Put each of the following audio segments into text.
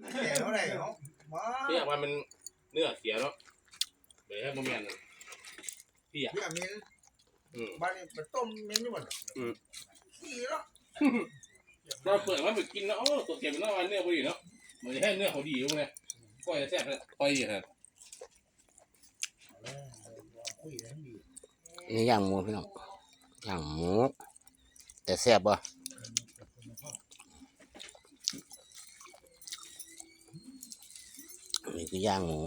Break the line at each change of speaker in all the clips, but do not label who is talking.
แก่เท่าไหร่เนาะ
พี่อยากว่ามันเนื้อเสียเนาะเดี๋ยวให้โมเมนต์พี่อ่ะ
พี่อามินบ้านนี้เป็นต้มมิ้นนี่หมดขี้เนาะ
เราเปิดว่าไปกินเนาะโอ้ตัวเก็บเป็นเนาะเนื้อพอดีเนาะมันจะให้เนื้อเขาดีอยู่ไงก้อยจะแซ่บเลยก้อยดีครับ
นี่ย่างหมูพี่น้องย่างหมูแต่แซ่บบ่นี่คือย่างหมู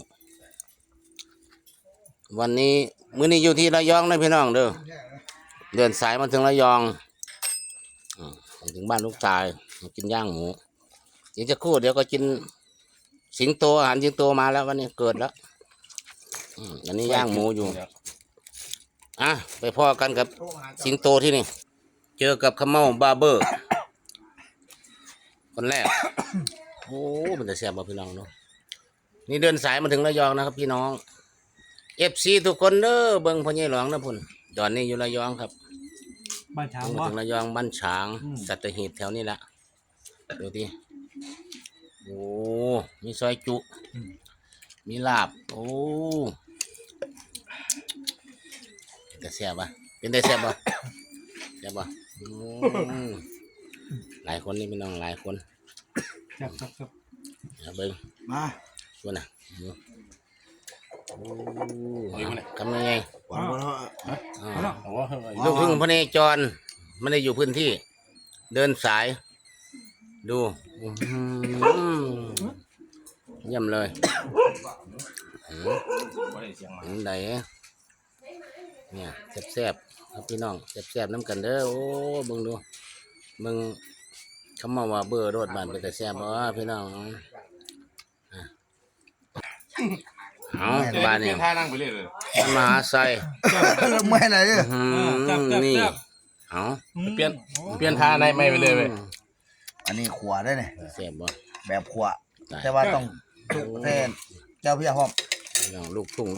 วันนี้มื้อนี้อยู่ที่ระยองนะพี่น้องเด้อเดินสายมาถึงระยองถึงบ้านลูกชายมากินย่างหมูเดี๋ยวจะครู่เดี๋ยวก็กินสิงโตอาหารสิงโตมาแล้ววันนี้เกิดแล้วอันนี้ย่างหมูอยู่ไปพ่อกันกับสิงโตที่นี่เจอกับขมเมาบาร์เบอร์คนแรกโอ้มันจะแซ่บบ่พี่น้องเนาะนี่เดินสายมาถึงระยองนะครับพี่น้องFC ทุกคนเด้อเบิ่งพ่อใหญ่หลวงนะพุ่นตอนนี้อยู่ระยองครับ
บ้านช้าง
มาถึงระยองบ้านฉางสัตหีบแถวนี้ละดูดิโอ้มีซอยจุมีลาบโอ้แต่แซ่บป่ะเป็นได้แซ่บป่ะแซ่บป่ะหลายคนนี่พี่น้องหลายคน
ครับ
เบิ่ง
มา
ชวนน่ะทำยังไงลูกทุ่งพระเนจรไม่ได้อยู่พื้นที่เดินสายดูเยี่ยมเลยไหนเนี่ยแซ่บๆครับพี่น้องแซ่บๆน้ำกันเด้อโอ้มึงดูมึงเขามาว่าเบอร์รถบ้านไปแต่แซ่บบ่พี่น้องเอาบ้านเนี่ย
ท่านั่งไปเรื่อยเลย
มหาไซ
ไม่ไหนเนี่ย
นี่เอา
เปลี่ยนท่าในไม่ไปเลยเว้ย
อันนี้ขวาได้เนี่ย
แซ่บบ่
แบบขวาแต่ว่าต้องแทนเจ้าพี่หอม
ลูกทุ่ง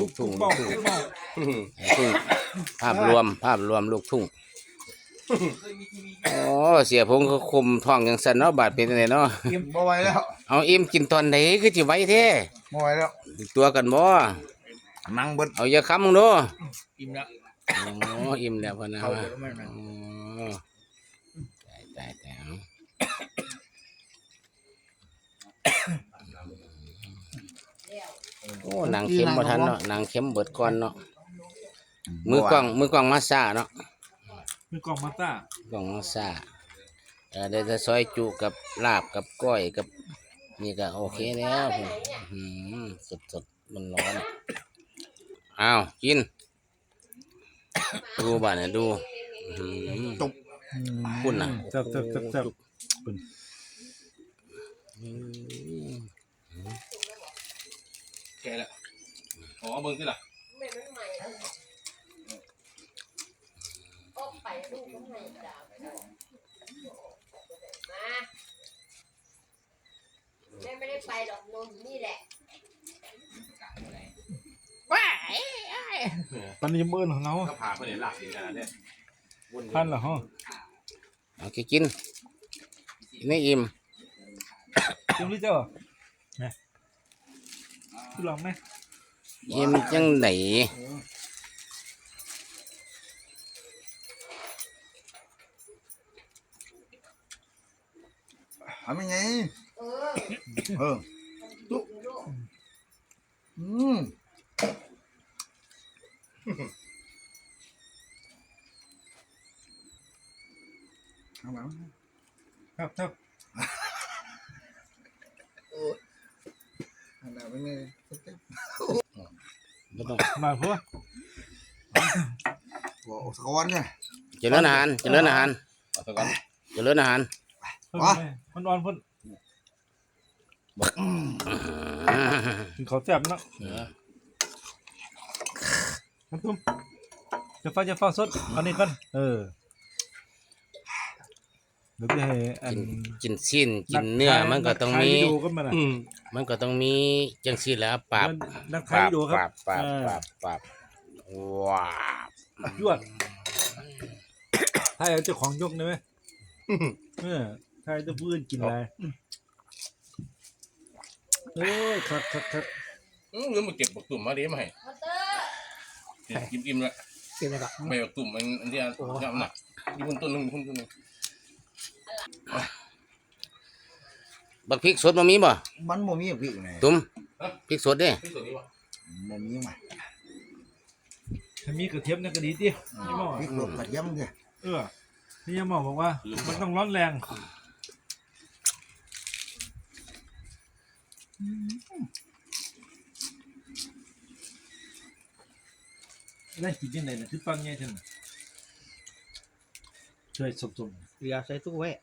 ภาพรวมลูกทุ่งโอ้เสียพงก็คุมท้องอย่างสันเนาะบาดเป็นไงเนาะ
อิ่มบ่ไหวแล้ว
เอาอิ่มกินตอนไหนคือสิไหวแท้
บ่ไหวแล้ว
ตัวกันบ่
นั่งเบิด
เอาอย่าค้ำมึงเนาะ
อิ่มแล้ว
โอ้อิ่มแล้วพะนะตายโอ้นางเข็มบ่ทันเนาะนางเข็มเบิดก่อนเนาะมือกล้องมาซ่าเนาะ
มือกล้องมาซ่าก
ล้องมาซ่าเดี๋ยวจะซอยจุกับลาบกับก้อยกับนี่ก็โอเคแล้วสดมันร้อนอ้าวกินดูบ้านเนี่ยดู
ตุก
คุณน่ะ
จับ
แกละอ๋อเบิ่งสิล่ะ
ไม่ได้ไปหรอกนนนี่แหละ
ตอนนี้มืดของเรา
ก็พาเพื่อนหลับอยู่ขนาดนี้
ท่านเหรอฮะ
โอเคกินนี่อิ่ม
ยังรู้เจ้าเนี่ยคุณลองไหม
อิ่มจังไหน
ทำยังไงตุ๊ก
ครับ
อันนั้นเป็นไง
มาเพื่อ
โอ้สกอนเนี่ย
เจริญอาหาร
มันอ่อนพ่นเขาแซ่บเนาะน้ำตุ้มจะฟ้าสดอันนี้กันเดี๋ยวจะให้
กินสิ้นกินเนื้อมันก็ต้องมีจังซี่แหล้วปราบว้าว
ยวดถ้าเจ้าของยกได้ไหมถ้าจะพื้นกินอะไรโอ้ยคัก
หรือมาเก็บบักตุ่มมาเดี๋ยวมาให้
มอเตอร์
อิ่มแล้ว
เกินเลยครับ
ใบบักตุ่มอันที่ทำหนักมีคนต้นหนึ่งคนต้นหนึ่ง
บักพริกสดบ่มีบ่
มันบ่มีพริกไง
ตุ้มพริกสดเด้
ที่สุดนี่วะ
บ่มีมา
ถ้ามีกระเทียมเนี่ยก็ดีดินี่หมอ
พริกลงกระเทียมเด้อ
นี่ยังหมอบอกว่ามันต้องร้อนแรงได้กินยังไงเนี่ยคือตอนไงท่านช่วยสม
เรือใส่ตู้ไว้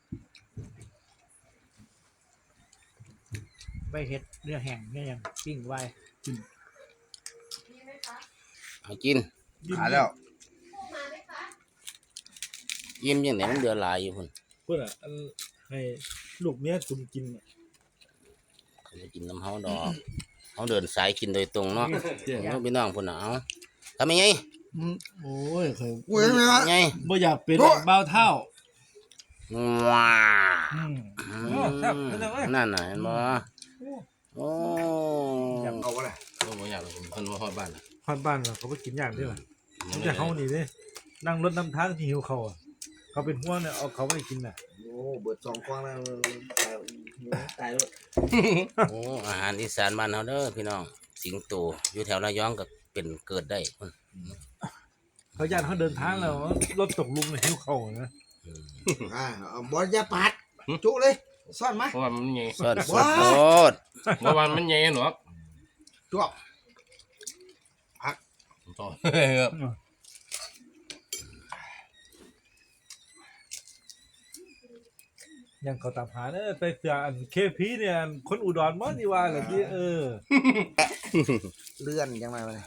ไปเฮ็ดเรือแห้งเนี่ยยังปิ้งไว้
มีไหมคะ
เอากิน
ๆ
หาแล้ว
พูดมาไหมคะ
ยิ้มยังไงมันเดือดหลายอยู่พุ่น
เพื่อนอันให้ลูกเมียตุ่มกินเนี่ย
เขาจะกินน้ำเฮาดอกเฮาเดินสายกินโดยตรงเนาะเอาพี่น้องพุ่นน่ะเอาทำยังไง
โอ้ยเคย
กูเห็นไหมวะ
ไง
บ่อยากเป็นเบาเท่า
ว้า
อืม
นั่นน่ะเห็นบ่โอ้
อยากเอาอะไร
โอ้โหอยากคนมาฮอดบ้าน
ฮอดบ้านเราเขาไปกินอย่างเดียวมันจะเขานี่เด้นั่งรถนำทางที่หิวเขาอ่ะเขาเป็นห่วงเนี่ยเอาเขาไปกินน่ะ
โอ้เบิด2กว้างแล้วตายแล้ว
โอ้อาหารอีสานบ้านเฮาเด้อพี่น้องสิงโตอยู่แถวระยองก็เป็นเกิดได้พุ่น
เขาญาติเขาเดินทางแล้วรถตกหลุมเนี่ยหิวเขาอะนะ
เอาบ่อย่าปัดจุเลยซ่อนมา
เพราะว่ามันใหญ่
สดสดโลด
เพราะว่ามันใหญ่หนอ
จวบ
ต่อ
ยังเขาตามหาเนี่ยไปเสืออันเคพีเนี่ยอันคนอุดรมั้งนี่ว่าเหรอที่
เลื่อนจังไงวะเนี่ย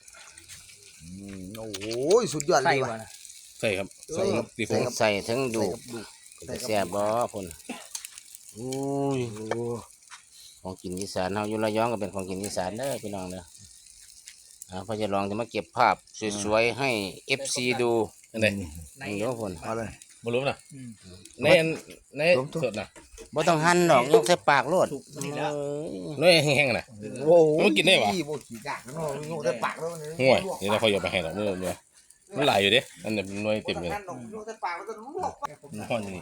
โอ้โหสุดยอดเล
ใส่
ย
วะ
ว่ะ
นะ
ใส่ครับใส่ครับตีโฟ
ใส่ทั้งดู
ใส่กับ
แซ่บบ่พุ่นอุ้ยของกินอีสานเฮาอยู่ระยองก็เป็นของกินอีสานเด้อพี่น้องเด้อพอจะลองจะมาเก็บภาพสวยๆให้ FC ดู
อันไหน
นี่เด้อพุ่น
เอาเลย
บ่รู้นะในสดนะ
บ่ต้องหั่นดอกยกใส่ปากโลด
น้อยแห้งๆนะ
โอ้โห
มันกินได้ปะ
บ่ขี้กากเนาะโยกได้ปากแล้วมัน
ห่วยเดี๋ยวเราค่อยเอาไปให้ดอกเมื่อมันหลายอยู่เด้อันนี้น้อยเต็มเลย
โยกได้ปากแล้วก็ลวก
มันห่อนอยู่นี่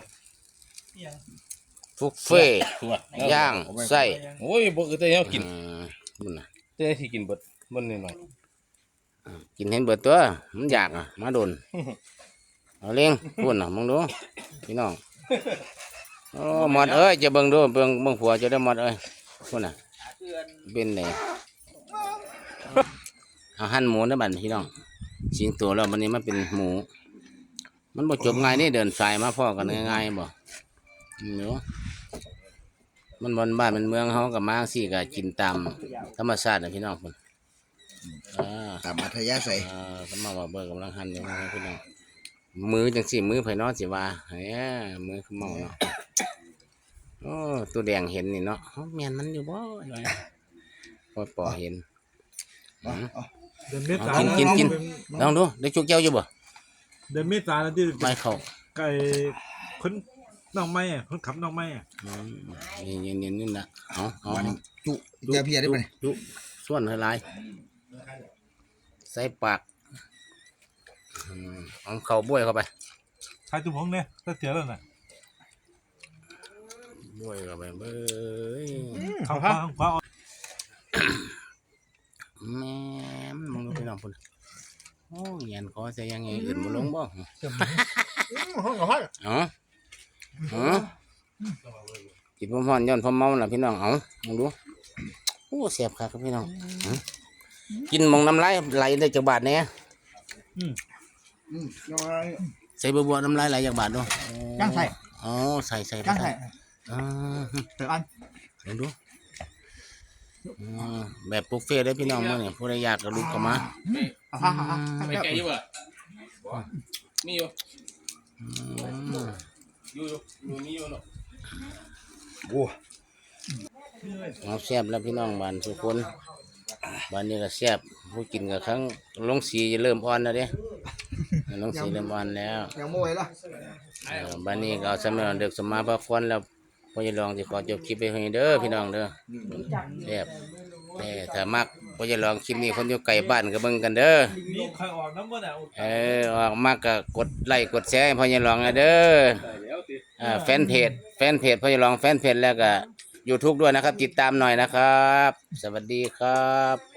ฟุกเฟ่ต์
ตัว
ย่างไส้
โอ้ยบ่คือแต่เฮากิน
มันน่ะ
แต่ที่กินเบิดมันนิดหน่อย
กินเห็นเบิดตัวมันอยากอ่ะมาโดนเอาเลี้ยงพุ่นน่ะมึงดูพี่น้องโอ้หมดเอ้ยจะเบิ่งดูเบิ่งผัวจะได้หมดเอ้ยพุ่นน่ะเป็นไงเอาหั่นหมูนะบัดพี่น้องสิงตัวแล้ววันนี้มันเป็นหมู มันบ่จบง่ายนี่เดินสายมาพ่อกันง่ายๆบ่เนาะมันบ้านมันเมืองเฮากับมาสิก็กินตามธรรมชาตินะพี่น้องพุ่น
ตามอัธยาศัย
ก็มาว่าเบิกกำลังหันอยู่นะพี่น้องมือจังสิมือไผเนาะสิว่าเฮ้ยมือคือเมาเนาะโอ้ตัวแดงเห็นนี่เนาะแม่นมันอยู่บ่พอปอเห็น
เดือนเมษา
กินลองดูได้จุกเจ้าอยู่บ่
เดือนเมษาแล้วที่
ไม่เข้า
ไก่คนน้องไม้อ่ะคนขับน้องไม้อ่ะ
นี่น่ะเอา
จุจะเพียได้ป่ะเนี่ย
จุส่วนหลายใส่ปากเอาเข้าบ้วยเข้าไป
ใครตุ้มพงเนี่ยถ้าเสียแล้วน่ะ
บ้วยเข้าไปเบ้ย
ข้าวข้าว
แม่มึงดูพี่น้องพุ่นโอ้ยยันขอใส่ยังไงอื่นบ่ลงบ่
ห้องกับห้อง
กินพร้อมๆย้อนพร้อมเมาล่ะพี่น้องเอามึงดูโอ้เสียบคักครับพี่น้องกินมองน้ำลายไหลได้จากบาทเนี่ยใส่บัวน้ำลายไหลจากบาทดู
ย่างใส่
อ๋อใส่
ย่างใส่ เดี๋ยวอัน
ลองดูแบบบุฟเฟ่ได้พี่น้องมั้งเนี่ยผู้ใดอยากก็ลุกเข้ามา
เอาข้าว
ไม่แก่อยู่บ่มีอยู่มีอยู่เนาะ
โอ้
เอาแซ่บแล้วพี่น้องบ้านทุกคนบ้านนี้ก็แซ่บผู้กินกับครั้งลงสีจะเริ่มอ่อนแล้วเด้ลงสีเริ่มอ่อนแล้ว
ยังไม่ไหวละ
บ้านนี้ก็เอาสมัยเด็กสมมาพักผ่อนแล้วพ่อจะลองสิขอจบคลิปไปให้เด้อพี่น้องเด้อแซ่บแต่ถ้ามักพ่อจะลองคลิปนี้คนอยู่ไกลบ้านก็เบิ่งกันเด้อ
ลูกใครออกน้ำบ่น่ะ
ออกมาก็กดไลค์กดแชร์ให้พ่อจะลองนะเด้อ
ได้แล้วสิ
แฟนเพจพ่อจะลองแฟนเพจแล้วก็ YouTube ด้วยนะครับ ติดตามหน่อยนะครับ สวัสดีครับ